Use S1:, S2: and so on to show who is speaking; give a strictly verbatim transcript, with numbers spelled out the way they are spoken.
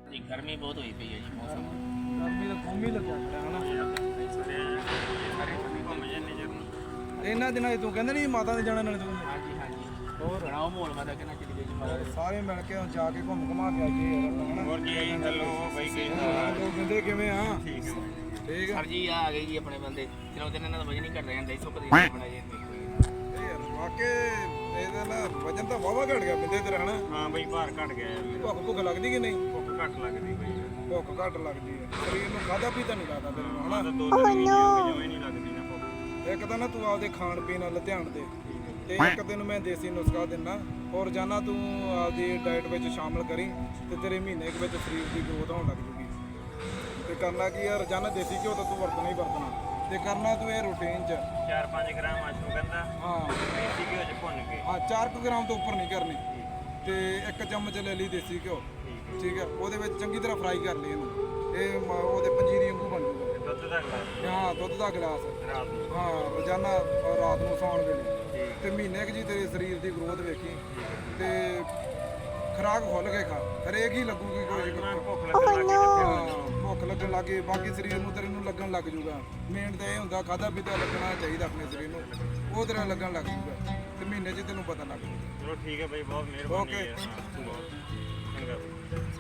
S1: ਜੀ ਗਰਮੀ ਬਹੁਤ ਹੋਈ ਪਈ ਹੈ ਜੀ ਮੌਸਮ
S2: ਗਰਮੀ ਦਾ ਕੰਮ ਹੀ ਲੱਗਿਆ ਖੜਾ ਹਨਾ।
S1: ਘੁੰਮ ਜਾਂਦੇ ਜਰੂਰ।
S2: ਇਹਨਾਂ ਦਿਨਾਂ 'ਚ ਤੂੰ ਕਹਿੰਦਾ ਨਹੀਂ ਮਾਤਾ ਦੇ ਜਾਣਾ ਨਾਲ ਤੂੰ
S1: ਹਾਂਜੀ ਹਾਂਜੀ ਹੋਰ ਬਣਾਓ ਮਾਹੌਲ ਮਾਤਾ ਕਿੰਨਾ ਚਲੀ ਗਈ ਜੀ ਮਾਤਾ
S2: ਸਾਰੇ ਮਿਲ ਕੇ ਜਾ ਕੇ ਘੁੰਮ ਘੁਮਾ ਕੇ ਆਈਏ ਯਾਰ ਹਨਾ।
S1: ਹੋਰ ਜੀ ਹੈਲੋ ਬਾਈ
S2: ਹਾਂ, ਲੋਕ ਕਹਿੰਦੇ ਕਿਵੇਂ ਆ
S1: ਠੀਕ ਹੈ
S2: ਠੀਕ ਆ
S1: ਸਰ ਜੀ ਆ ਗਏ ਜੀ ਆਪਣੇ ਬੰਦੇ ਚਲੋ ਦਿਨ ਇਹਨਾਂ ਦਾ ਵਜਨ ਨਹੀਂ ਘਟ ਰਿਹਾ ਹੁੰਦਾ ਸੁੱਕ ਦੀ ਬਣਾਈ ਜਾਂਦੀ
S2: ਇਹ ਯਾਰ ਵਾਕੇ ਇਹਦਾ ਨਾ ਵਜਨ ਤਾਂ ਵਾਵਾ ਘਟ ਗਿਆ ਬੰਦੇ ਤੇਰਾ ਹਨਾ।
S1: ਹਾਂ ਬਈ ਭਾਰ ਘਟ ਗਿਆ
S2: ਭੁੱਖ ਭੁੱਖ ਲੱਗਦੀ ਕਿ ਨਹੀਂ?
S1: ਭੁੱਖ ਘੱਟ ਲੱਗਦੀ ਬਈ
S2: ਭੁੱਖ ਘੱਟ ਲੱਗਦੀ ਹੈ ਸਰੀਰ ਨੂੰ ਖਾਦਾ ਪੀਤਾ ਨਹੀਂ ਲੱਗਦਾ ਤੈਨੂੰ ਹਨਾ।
S1: ਦੋ ਤਿੰਨ ਮਹੀਨੇ ਹੋ ਗਏ ਜਮਾਂ ਹੀ ਨਹੀਂ ਲੱਗਦੀ ਨਾ ਭੁੱਖ
S2: ਇੱਕ ਤਾਂ ਨਾ ਤੂੰ ਆਪਦੇ ਖਾਣ ਪੀਣ ਵੱਲ ਧਿਆਨ ਦੇ ਤੇ ਇੱਕ ਤੈਨੂੰ ਮੈਂ ਦੇਸੀ ਨੁਸਖਾ ਦਿੰਦਾ ਔਰ ਰੋਜ਼ਾਨਾ ਤੂੰ ਆਪਦੀ ਡਾਈਟ ਵਿੱਚ ਸ਼ਾਮਲ ਕਰੀ ਤੇ ਤੇਰੇ ਮਹੀਨੇ ਕੁ ਵਿੱਚ ਸਰੀਰ ਦੀ ਗਰੋਥ ਹੋਣ ਲੱਗ ਜੂਗੀ। ਤੇ ਕਰਨਾ ਕੀ ਆ ਰੋਜ਼ਾਨਾ ਦੇਸੀ ਘਿਓ ਤਾਂ ਤੂੰ ਵਰਤਣਾ ਹੀ ਵਰਤਣਾ ਤੇ ਕਰਨਾ ਤੂੰ ਇਹ ਰੂਟੀਨ 'ਚ
S1: ਚਾਰ ਪੰਜ ਗ੍ਰਾਮ ਅਸ਼ਵਗੰਧਾ
S2: ਹਾਂ
S1: ਦੇਸੀ ਘਿਓ ਚ ਭੁੰਨ ਕੇ
S2: ਹਾਂ ਚਾਰ ਕੁ ਗ੍ਰਾਮ ਤੋਂ ਉੱਪਰ ਨਹੀਂ ਕਰਨੀ ਤੇ ਇੱਕ ਚਮਚ ਲੈ ਲਈ ਦੇਸੀ ਘਿਓ ਠੀਕ ਹੈ ਉਹਦੇ ਵਿੱਚ ਚੰਗੀ ਤਰ੍ਹਾਂ ਫਰਾਈ ਕਰ ਲਈ ਇਹਨੂੰ ਇਹ ਮ- ਉਹਦੇ ਪੰਜੀਰੀ ਵਾਂਗੂ ਬਣ ਜੂਗਾ।
S1: ਦੁੱਧ ਦਾ ਗਲਾਸ
S2: ਹਾਂ ਦੁੱਧ ਦਾ ਗਲਾਸ
S1: ਰਾਤ ਨੂੰ
S2: ਹਾਂ ਰੋਜ਼ਾਨਾ ਰਾਤ ਨੂੰ ਸੌਣ ਵੇਲੇ ਤੇ ਮਹੀਨੇ ਕੁ ਜੀ ਤੇਰੇ ਸਰੀਰ ਦੀ ਗਰੋਥ ਵੇਖੀ ਤੇ ਖੁਰਾਕ ਖੁੱਲ ਕੇ ਖਾ ਹਰੇਕ ਹੀ ਲੱਗੂਗੀ ਕੋਈ
S1: ਭੁੱਖ ਲੱਗਣ ਲੱਗ ਗਈ
S2: ਹਾਂ, ਭੁੱਖ ਲੱਗਣ ਲੱਗੇ ਬਾਕੀ ਸਰੀਰ ਨੂੰ ਤੇਰੇ ਨੂੰ ਲੱਗਣ ਲੱਗ ਜੂਗਾ। ਮੇਨ ਤਾਂ ਇਹ ਹੁੰਦਾ ਖਾਦਾ ਪੀਤਾ ਲੱਗਣਾ ਚਾਹੀਦਾ ਆਪਣੇ ਸਰੀਰ ਨੂੰ ਉਹ ਤੇਰਾ ਲੱਗਣ ਲੱਗ ਜੂਗਾ ਤੇ ਮਹੀਨੇ 'ਚ ਤੈਨੂੰ ਪਤਾ ਲੱਗ ਜੂਗਾ।
S1: ਚਲੋ ਠੀਕ ਹੈ ਬਾਈ ਬਹੁਤ ਮਿਹਰਬਾਨੀ
S2: Okay.
S1: ਹੈ ਹਾਂ ਬਹੁਤ ਚੰਗਾ